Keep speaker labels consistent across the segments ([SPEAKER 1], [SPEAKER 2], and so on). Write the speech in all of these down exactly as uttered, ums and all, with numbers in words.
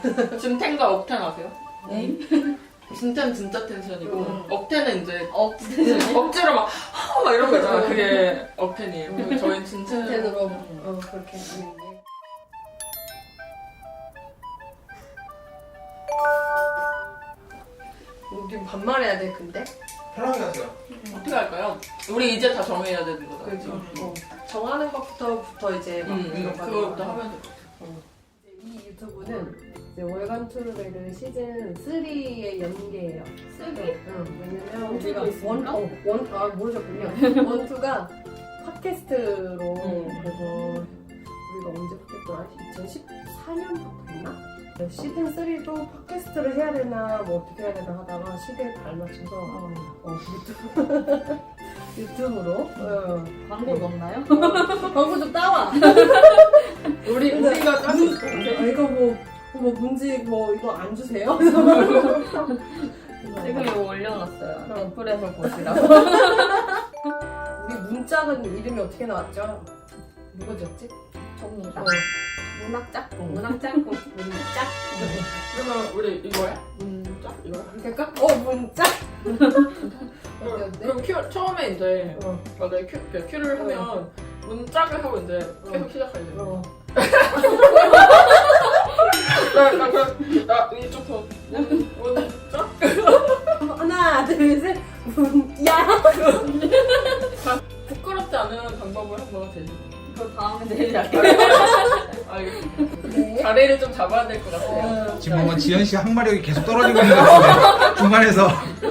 [SPEAKER 1] 진텐과 억텐 아세요?
[SPEAKER 2] 네?
[SPEAKER 1] 진텐 진짜 텐션이고
[SPEAKER 2] 음.
[SPEAKER 1] 억텐은 이제
[SPEAKER 2] 억텐.
[SPEAKER 1] 억지로 막 하! 막 이런 거 있잖아. 그게 억텐이에요. 그리고 저희는 진텐.
[SPEAKER 2] 진텐으로 어, 그렇게 하는 게. 우리 반말해야 돼 근데?
[SPEAKER 3] 편하게 하세요.
[SPEAKER 1] 어떻게 할까요? 우리 이제 다 정해야 되는 거다.
[SPEAKER 2] 그렇죠. 어. 정하는 것부터부터 이제 막
[SPEAKER 1] 응, 응.
[SPEAKER 2] 들어가는
[SPEAKER 1] 그거부터
[SPEAKER 2] 거야.
[SPEAKER 1] 하면 될 것 같아.
[SPEAKER 2] 어. 이 유튜브는 이제 월간 투르베르 시즌 삼의 연계예요.
[SPEAKER 4] 쓰기?
[SPEAKER 2] 응. 왜냐면
[SPEAKER 4] 원투도
[SPEAKER 2] 우리가
[SPEAKER 4] 있습니까?
[SPEAKER 2] 원, 어, 원, 아 모르셨군요. 원투가 팟캐스트로
[SPEAKER 1] 음.
[SPEAKER 2] 그래서 우리가 언제부터 했더라? 이천십사 년부터 했나? 시즌 삼도 팟캐스트를 해야 되나 뭐 어떻게 해야 되나 하다가 시대에 발맞춰서 어, 유튜브 유튜브로 어.
[SPEAKER 4] 광고 넣나요?
[SPEAKER 2] 광고 좀 따와.
[SPEAKER 1] 우리 우리가 짤수 있어.
[SPEAKER 2] 아, 이거 뭐, 뭐 문지 뭐 이거 안 주세요?
[SPEAKER 4] 지금 이거 올려놨어요.
[SPEAKER 2] 어.
[SPEAKER 4] 어플에서 보시라고.
[SPEAKER 2] 우리 문짝은 이름이 어떻게 나왔죠? 누가 지었지?
[SPEAKER 4] 접니다.
[SPEAKER 2] 어.
[SPEAKER 4] 문학 짝꿍.
[SPEAKER 2] 문학 짝꿍. 문짝.
[SPEAKER 1] 그러면 우리 이거야? 문짝 이거야?
[SPEAKER 2] 이렇게 할까? 어 문짝. 어때
[SPEAKER 1] 그럼 큐 처음에 이제
[SPEAKER 2] 어.
[SPEAKER 1] 맞아 큐 그 큐를 하면 문짝을 하고 이제 계속 시작하게 돼.
[SPEAKER 2] 어.
[SPEAKER 1] 나, 나 그럼 나 이쪽 더 문, 문짝?
[SPEAKER 2] 하나 둘 셋. 문야.
[SPEAKER 1] 부끄럽지 않은 방법을 한번 대주.
[SPEAKER 4] 그거 다음에 내일 할게요.
[SPEAKER 1] 알겠습니다.
[SPEAKER 2] 네.
[SPEAKER 1] 자리를 좀 잡아야 될 것 같아요.
[SPEAKER 2] 어.
[SPEAKER 3] 지금 뭔가 지현 씨 항마력이 계속 떨어지고 있는 것 같은데 중간에서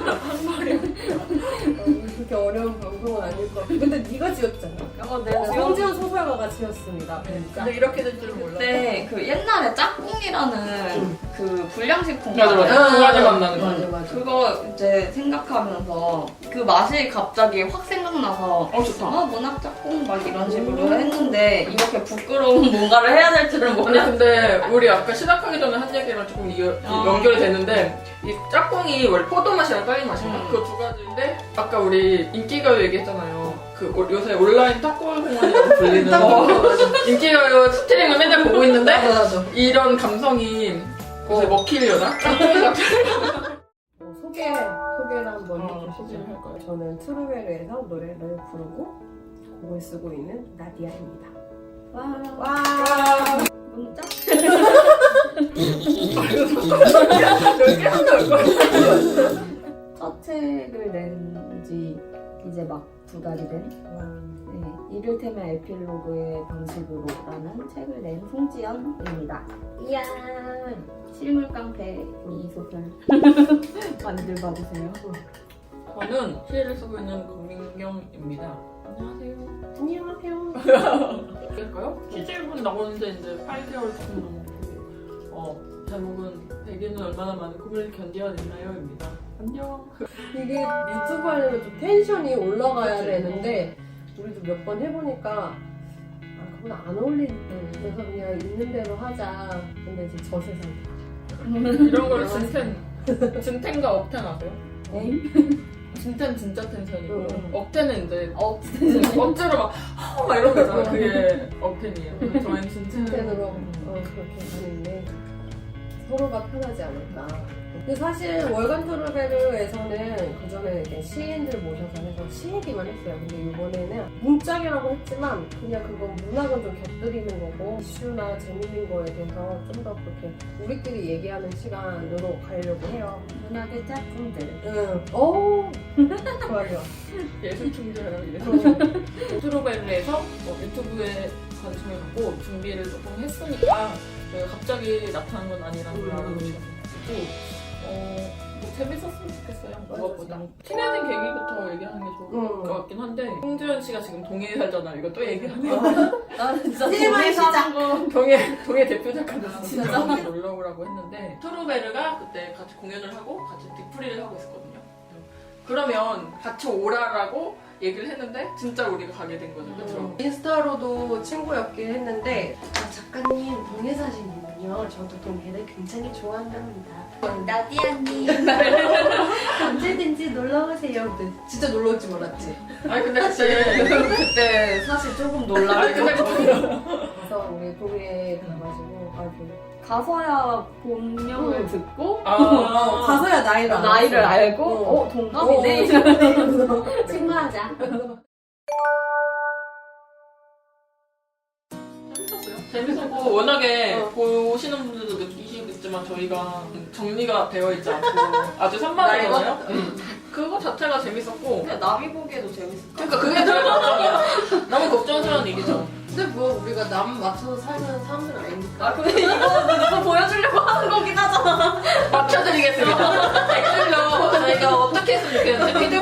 [SPEAKER 2] 어, 그렇게 어려운 방송은 아닐 것 같고. 근데 네가 지었잖아.
[SPEAKER 4] 어, 내가
[SPEAKER 2] 성지현 소설가가 지었습니다.
[SPEAKER 1] 근데 이렇게 될 줄은 몰랐어.
[SPEAKER 4] 그때 그 옛날에 짝꿍이라는 그 불량식품
[SPEAKER 1] 맞아 맞아. 두 가지 만나는 거.
[SPEAKER 2] 맞아 맞아.
[SPEAKER 4] 그거 이제 생각하면서 그 맛이 갑자기 확 생각나서
[SPEAKER 1] 어 좋다.
[SPEAKER 4] 어 문학 짝꿍 막 이런 식으로 했는데 이렇게 부끄러운 뭔가를 해야 될 줄은
[SPEAKER 1] 아니
[SPEAKER 4] 몰랐어.
[SPEAKER 1] 근데 우리 아까 시작하기 전에 한 얘기랑 조금 이,
[SPEAKER 4] 어.
[SPEAKER 1] 연결이 되는데 이 짝꿍이 원래 포도 맛이랑 딸기 맛인가?
[SPEAKER 4] 음.
[SPEAKER 1] 그 두 가지인데 아까 우리 인기가요 얘기했잖아요. 그 오- 요새 온라인 탁골 공원이라고 불리는 인기가요 스트리밍을 맨날 보고 있는데
[SPEAKER 2] 맞아 맞아.
[SPEAKER 1] 이런 감성이 요새 먹히려나? 짝꿍이가
[SPEAKER 2] 어, 소개 소개를 한번
[SPEAKER 1] 어,
[SPEAKER 2] 해주시죠.
[SPEAKER 1] 소개를 할 거예요.
[SPEAKER 2] 저는 트루베르에서 노래를 부르고 곡을 쓰고 있는 나디아입니다.
[SPEAKER 4] 와,
[SPEAKER 2] 와.
[SPEAKER 4] 문짝? 첫 책을 낸 지 이제 막 두 달이 된 네, 이를테면 에필로그의 방식으로라는 책을 낸 송지연입니다. 이야 실물 깡패 이 소설 많이들 봐주세요.
[SPEAKER 1] 저는 시를 쓰고 있는 권민경입니다. 안녕하세요.
[SPEAKER 2] 안녕하세요.
[SPEAKER 1] 할까요? 시집은 나오는데 이제 팔 개월 조금 넘었고 어, 제목은 백인은 얼마나 많은 꿈을 견뎌냈나요?입니다. 안녕.
[SPEAKER 2] 이게 유튜브 하려면 좀 텐션이 올라가야 되는데 우리도 몇 번 해보니까 아 그건 안 어울리는데 그래서 그냥 있는 대로 하자. 근데 이제 저 세상.
[SPEAKER 1] 이런 거를 진텐, 진텐과 억텐 아세요?
[SPEAKER 2] 에이?
[SPEAKER 1] 진텐 진짜 텐션이고
[SPEAKER 2] 응.
[SPEAKER 1] 억텐은 이제
[SPEAKER 4] 어,
[SPEAKER 1] 억지로 막 하! 막 이런 거 있잖아. 그게 억텐이에요. 그래서 저희는 진텐.
[SPEAKER 2] 텐으로 어, 그렇게 하는데 서로가 편하지 않을까. 근데 사실 월간 투르베르에서는 그 전에 이렇게 시인들 모셔서 해서 시 얘기만 했어요. 근데 이번에는 문짝이라고 했지만 그냥 그건 문학은 좀 곁들이는 거고 이슈나 재밌는 거에 대해서 좀 더 그렇게 우리끼리 얘기하는 시간으로 가려고 해요.
[SPEAKER 4] 문학의 짝꿍들.
[SPEAKER 2] 응. 오. 좋아요.
[SPEAKER 1] 예술 충돌이라고 이래서
[SPEAKER 2] 어.
[SPEAKER 1] 트루베르에서 뭐 유튜브에 관심을 갖고 준비를 조금 했으니까 저희가 갑자기 나타난 건 아니라는 걸
[SPEAKER 2] 음.
[SPEAKER 1] 알아주시면 좋겠고 어, 뭐 재밌었으면 좋겠어요.
[SPEAKER 2] 맞아,
[SPEAKER 1] 무엇보다
[SPEAKER 2] 맞아.
[SPEAKER 1] 친해진 계기부터 얘기하는 게 좋을
[SPEAKER 2] 음.
[SPEAKER 1] 것 같긴 한데 홍지연 씨가 지금 동해에 살잖아. 이거 또 얘기하네.
[SPEAKER 4] 나는 진짜
[SPEAKER 2] 테마의
[SPEAKER 4] 동네 사는
[SPEAKER 2] 시작.
[SPEAKER 4] 거.
[SPEAKER 1] 동해 동해 대표 작가로서
[SPEAKER 4] 진짜?
[SPEAKER 1] 놀러 오라고 했는데 트루베르가 그때 같이 공연을 하고 같이 뒷풀이를 하고 있었거든요. 그러면 같이 오라라고 얘기를 했는데 진짜 우리가 가게 된 거죠, 그렇죠?
[SPEAKER 2] 인스타로도 친구였긴 했는데 아, 작가님 동해 사시는군요. 저도 동해를 굉장히 좋아한답니다.
[SPEAKER 4] 나디아님.
[SPEAKER 2] 언제든지 놀러 오세요. 근데 진짜 놀러 올지 몰랐지.
[SPEAKER 1] 아니 근데 그때
[SPEAKER 4] 그때 사실 조금
[SPEAKER 1] 아니
[SPEAKER 4] 놀라고
[SPEAKER 1] 근데
[SPEAKER 2] 그래서 그래서 우리 동해에 가가지고 아주
[SPEAKER 4] 가서야 본명을
[SPEAKER 2] 응.
[SPEAKER 4] 듣고
[SPEAKER 1] 아,
[SPEAKER 2] 가서야 나이를 알았어.
[SPEAKER 4] 나이를 알고
[SPEAKER 2] 어.
[SPEAKER 4] 어, 동갑이네.
[SPEAKER 2] 어, 친구하자.
[SPEAKER 1] 재밌었어요. 재밌었고 워낙에
[SPEAKER 2] 어.
[SPEAKER 1] 보시는 분들도 느끼시겠지만 저희가 정리가 되어 있지 않고 아주 산만하잖아요. 응. 그거 자체가 재밌었고
[SPEAKER 2] 근데 남이 보기에도 재밌을 것 같아.
[SPEAKER 1] 그러니까 그게 제일 걱정이야. 너무 걱정스러운 얘기죠.
[SPEAKER 2] 근데 뭐 우리가 남 맞춰서 살면 사람들은 아니니까.
[SPEAKER 4] 아 근데 이거 이거 보여주려고 하는 거긴 하잖아.
[SPEAKER 1] 맞춰드리겠습니다. 댓글로 저희가 어떻게 했으면 좋겠는지